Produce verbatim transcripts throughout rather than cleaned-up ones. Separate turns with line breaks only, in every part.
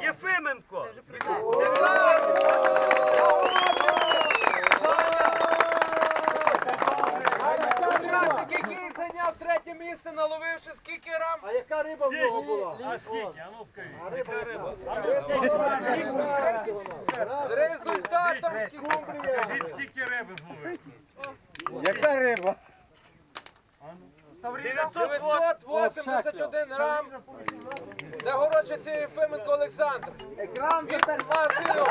Єфименко.
Учасник, який зайняв третє місце, наловивши скільки рам?
А яка риба в нього була?
А скільки? А ну скажи.
Риба риба.
З результатом
Скажіть, скільки риби зловив?
Яка риба?
дев'ятсот вісімдесят один грам. Нагороджується Єфименко Олександр. Від магазину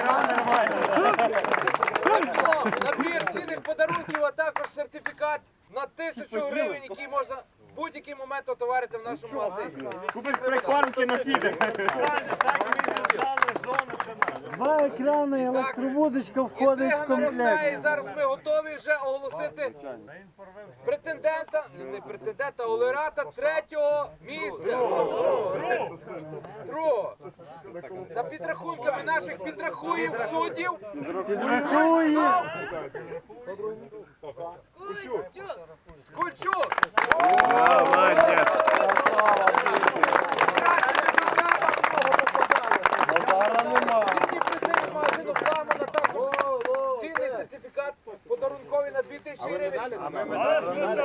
набір цінних подарунків, а також сертифікат на тисячу гривень, який можна в будь-який момент отоварити в нашому магазині.
Купиш прикормки на фідер.
Так і відповідали зони каналу.
Два екрани, електровудочка входить в
Інтрига наростає, і
комплект.
зараз ми готові вже оголосити претендента, не претендента, а лауреата третього місця. Другого. За підрахунками наших підрахуїв суддів.
Підрахує.
Скульчук. Тільки призив магазину «Фламена», також цінний сертифікат подарунковий на дві тисячі гривень.
Але ж ви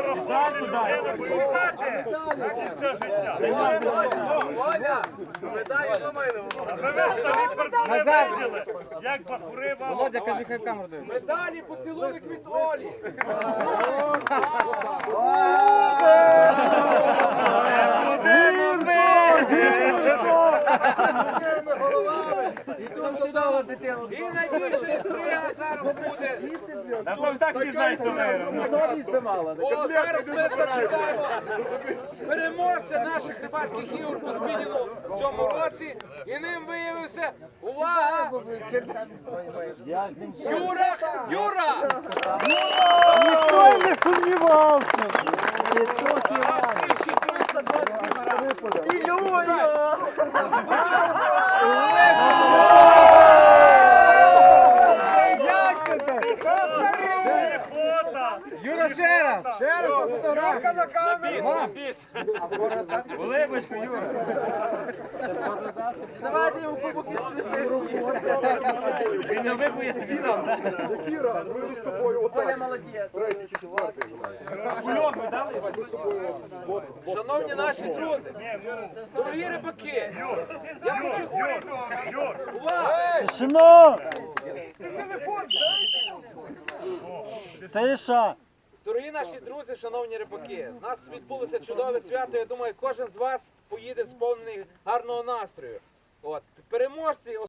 все життя.
Ваня, медалі думаю.
Назад! Як бахуриба.
Володя, кажи, хай камеру дивиться.
Медалі поцілунок від Олі. І найбільша інтрига зараз буде.
Та ви так всі знаєте,
О, зараз ми зачекаємо переможця наших рибацьких ігор по спінінгу в цьому році. І ним виявився, увага, Юра, Юра!
Ніхто й не сумнівався. І трохи рано.
Юра, ще раз!
Ще раз фотографія на камеру.
Улибочку, Юра!
Давайте йому побуки.
Він не вибує собі сам, так?
Який раз? Ми вже з тобою отак.
молодець.
Третій чи четвертий.
Кульок ви дали?
Ми з тобою от.
Шановні наші друзі, дорогі рибаки, я хочу... Увага!
Тишину! Тиша!
Дорогі наші друзі, шановні рибаки, у нас відбулося чудове свято. Я думаю, кожен з вас поїде сповнений гарного настрою. От переможці.